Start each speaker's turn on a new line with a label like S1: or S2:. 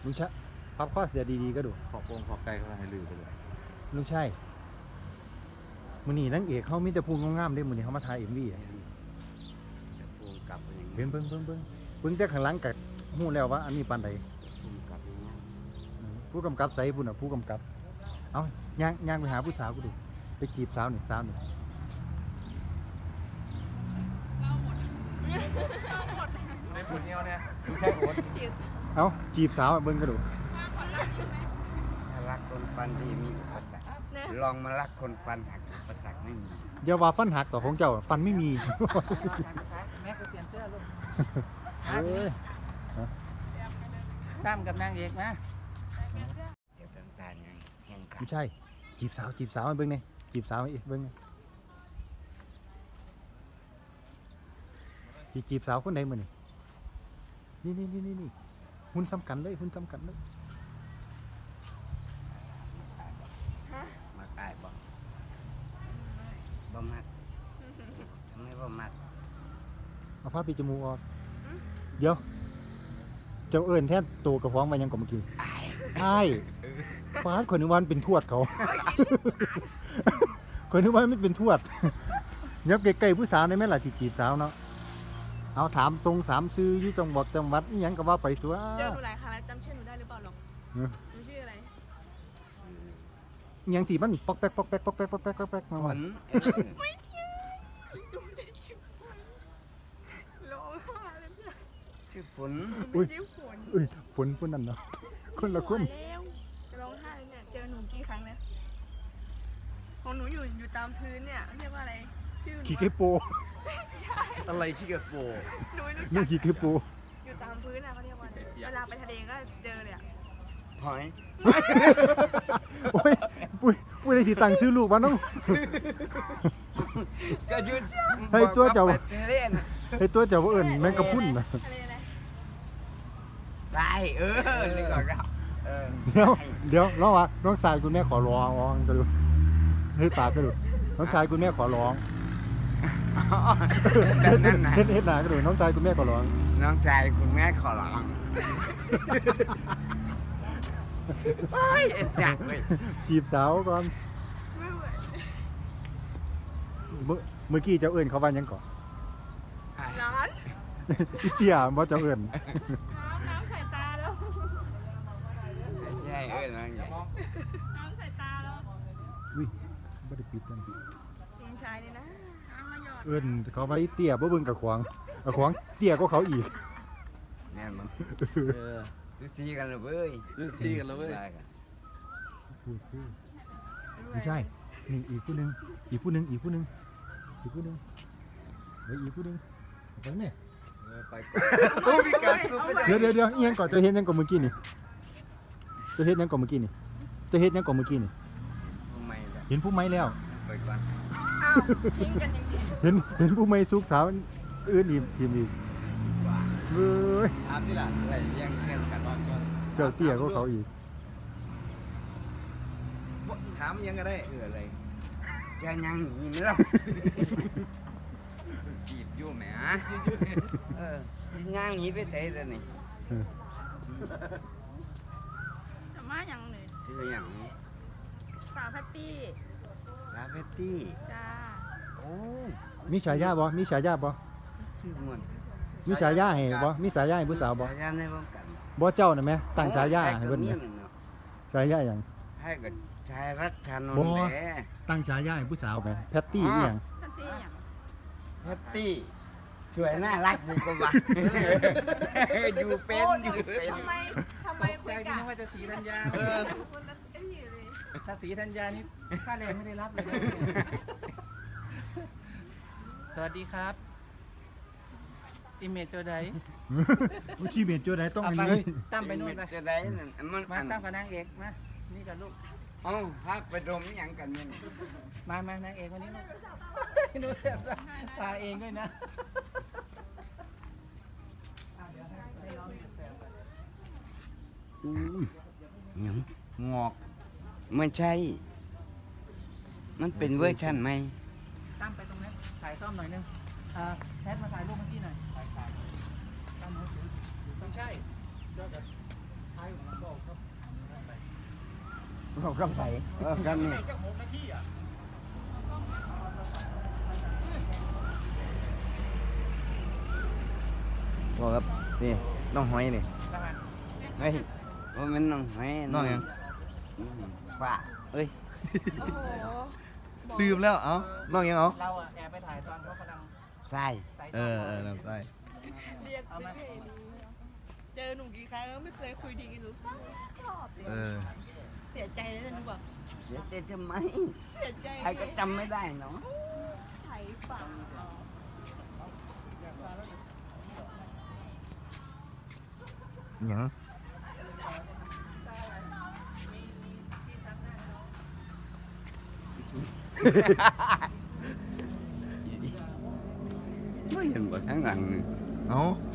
S1: ลุงชะพับข้อเสียดีๆก็ดู
S2: ขอบวงขอบไก่เขาให้ลือไปเลย
S1: ลุงใช่มื้อนี้นางเอกเขามีแต่พูดงามๆเด้มื้อนี้เขามาถ่าย MV อ่ะ
S2: จะปูกลับอย่าง
S1: เบิ่งแต่ข้างหลังก็ฮู้แล้วว่าอันนี้ปานใด
S2: ปูกลับอย่างนี้
S1: ผู้กำกับใส่พุ่นน่ะผู้กำกับเอ้าย่างไปหาผู้สาวกูดูไปจีบสาวนี่
S2: ในปูเนี้ยเนี่ย
S1: ลุงใช่โอนเอ้าจีบสาวเบิ่งก็ดู
S2: รักคนฟันที่มีอุปสรรคลองมารักคนฟันหักอุปสรรคไม่มี
S1: อย่าว่าฟันหักต่อของเจ้าฟันไม่มี
S3: แม่ก็เปลี่ยนเสื้อลูก
S1: เอ้ย
S3: ตามกับนางเอกนะ
S2: เดี๋ยวต่างๆไงแข่งขัน
S1: ไม่ใช่จีบสาวให้เบิ่งนี่จีบสาวให้เบิ่งนี่จีบสาวคนใดมื้อนี่หุ่นสำคัญเลย
S2: มาตายบ่มักทำไมบ่มัก
S1: เอาผ้าปิดจมูกออกเดี๋ยวเจ้าเอิ้นแท้ตัวกระฟ้องมายังก่อนเมื่อกี้อ้ายฟ้าคนนึกว่ามันเป็นทวดเขา คนนึกว่ามันเป็นทวด ยับใกล้ๆผู้สาวได้ไหมล่ะสิจีบสาวเนาะเอาถามตรง3ชื่ออยู่จังหวัดอีหยังก็ว่าไปตัว
S4: เจอหนูหลายครั้งแล้วจำชื่อหนูได้หรือเปล่าหรอกหนูชื่ออะไร
S1: อีหยังที่มันปอกแป๊กมา
S2: ผล
S4: ไม่ใช่หนูได้ชื่อฝนร้องไห้เลยเนี่ย
S2: ชื่อฝน
S4: หนูไม่ชื่อฝน
S1: อุ้ยฝนนั่นเนาะคนละคน
S4: แล้วจะร้องไห้เลยเนี่ยเจอหนูกี่ครั้งแล้วของหนูอยู่ตามพื้นเนี่ยเรียกว่าอะไรชื่อหนู
S1: ขี้เกโป
S2: อะไรขี้กระโปง
S4: หนูไม่รู้
S1: นี่
S4: จัก
S1: ขี้เกโป
S4: อยู่ตามพื้นอะเขาเรียกว่าอะไรเวลาไปทะเลก็เจอเลยอะ
S2: หอย
S1: โอ้ยปุ้ยได้สิตั้งชื่อลูกมาน้อง
S2: ก็ยืด
S1: ให้ตัวเจ้า
S2: เล่น
S1: ให้ตัวเจ้าว่าเอิ้นแมงกะพรุนน่ะ
S4: ทะเลอะไร
S2: ตายนี่ก่อนครับ
S1: เดี๋ยวร้องว่าน้องชายคุณแม่ขอร้องก็ดูเฮ้ยปากก็ดูน้องชายคุณแม่ขอร้อง
S2: แบบนั้นนะ
S1: เฮ็ดหน้าก็ดูน้องชายคุณแม่ขอร้อง
S2: น้องชายคุณแม่ขอร้องเฮ้ยอยากเลย
S1: จีบสาวก่อน
S4: ไม่ไหว
S1: เมื่อกี้เจ้าเอิ้นเขาว่าหยังก่อน
S4: ร้าน
S1: อีเตี้ยบ่เจ้าเอิ้น
S4: น้ำใส่ตาแล้ว
S2: ใช่น้องใหญ่
S4: น้ำใส่ตาแล้ว
S1: อุ้ยบ่ได้ปิดกัน
S4: ยิงชายนี่นะเอามาหยอด
S1: เอิ้นเขาว่าอีเตี้ยบ่เบิ่งกับขวางเตี้ยกว่าเขาอีก
S2: แม่มึงดูซีกันเลยเว้ยดูซีกันเลยเว้ย
S1: ไม่ใช่นี่อีกผู้หนึงเฮ้ยอีกผู้หนึงไปแม่
S2: ไปก่อนมีการสู้ไป
S1: เดี๋ยวอีหยังก่อนจะเฮ็ดหยังก่อนเมื่อกี้นี่จะเฮ็ดหยังก่อนเมื่อกี้นี่
S2: ทำไมล่ะ
S1: เห็นผู้ไม้แล้ว
S2: ไปก่อน
S4: อ้าวทิ้งกันอย่างนี้
S1: เห็นผู้ไม้สุกสาวอื่นอีกทีมอีกเว้ย
S2: ถามที่หลังอะไรยังเล่นกันก่อน
S1: เจ้าเตี้ยก็เขาอีก
S2: ถามยังก็ได้อะไรแกยังหนีไม่หรอกจีบอยู่แหมย่างหนีไปไหนแล้วนี่
S4: แต่มาอย่างเลย
S2: ชื่ออย่าง
S4: สาวแพตตี้
S2: ลาเฟตตี้
S4: จ้า
S2: โอ้
S1: มีฉายาบ่
S2: ชื่อมัน
S1: มีฉายาให้บ่มีฉายาให้ผู้สาวบ่
S2: ฉายาในวงการ
S1: บ่เจ้าน่ะแม่ตั้งฉายาให้เพิ่น
S2: นี่
S1: น่ะฉายาหยัง
S2: ให้กับชายรักชานน
S1: บ่
S2: ท์แหละ
S1: ตั้งฉายาให้ผู้สาวแม่แพตตี้อีหยัง
S4: แพตตี้อย่าง
S2: แพตตี้สวยน่ารักดีกว่าอยู่เป็น
S4: ทำไมคุ
S3: ใจ
S4: ย
S3: พี่
S4: กัน
S3: นึกว่าจะสีธัญญา
S4: คนละไอ้นี่เลย
S3: ถ้าสีธัญญานี่ค่าแรงไม่ได้รับเลยนะสวัสดีครับอิเมจโจได
S1: ผู้ชีเมียนโจได้ต้อง
S3: เอา
S1: อัน
S3: ไป
S1: นี้เลย
S3: ตั้มไปนู่นไป
S2: จะได้นั่นมัน
S3: มาตั้มกับนางเอกมานี่กับลูก
S2: เอ้าพาไปดมอย่างกันเนี่ย
S3: มานางเอกวันนี้ลูกดูเสียตาเองด้วยนะ
S2: หยังงอกไม่ใช่ มันเป็นเวอร์ชันไหม
S3: ตั้มไปตรงนั้นถ่ายซ่อมหน่อยนึงแพทมาถ่ายรูปเมื่อกี้หน่อยตั้มมือถือไม่ใช่
S2: เราต้องไปกันนี่บอกครับนี่น้องหอยนี่เฮ้ยว่ามันน้องหอย
S5: น้องหยัง
S2: ฝ้าเอ้ย
S4: โอ้โหบอก
S5: ลืมแล้วเอ้าน้องยังเอา
S3: เราอะแอบไปถ่ายตอนเขากำลัง
S2: ใส่
S3: ใส่
S5: เออลำไส้
S4: เรียกไม่เคยรู้เจอหนูกี่ครั้งแล้วไม่เคยคุยดีกันหนูสักรอบเลย
S5: เออ
S4: เสียใจเลยนะหนูแบบ
S2: เดี๋ยวเต้นทำไม
S4: เสียใจ
S2: ใครก็จำไม่ได้เนาะ
S4: ไถฝ่าเหรอ
S5: หยัง
S2: ไม่เห็นบ่ข้างหลังนี่
S5: เอ้า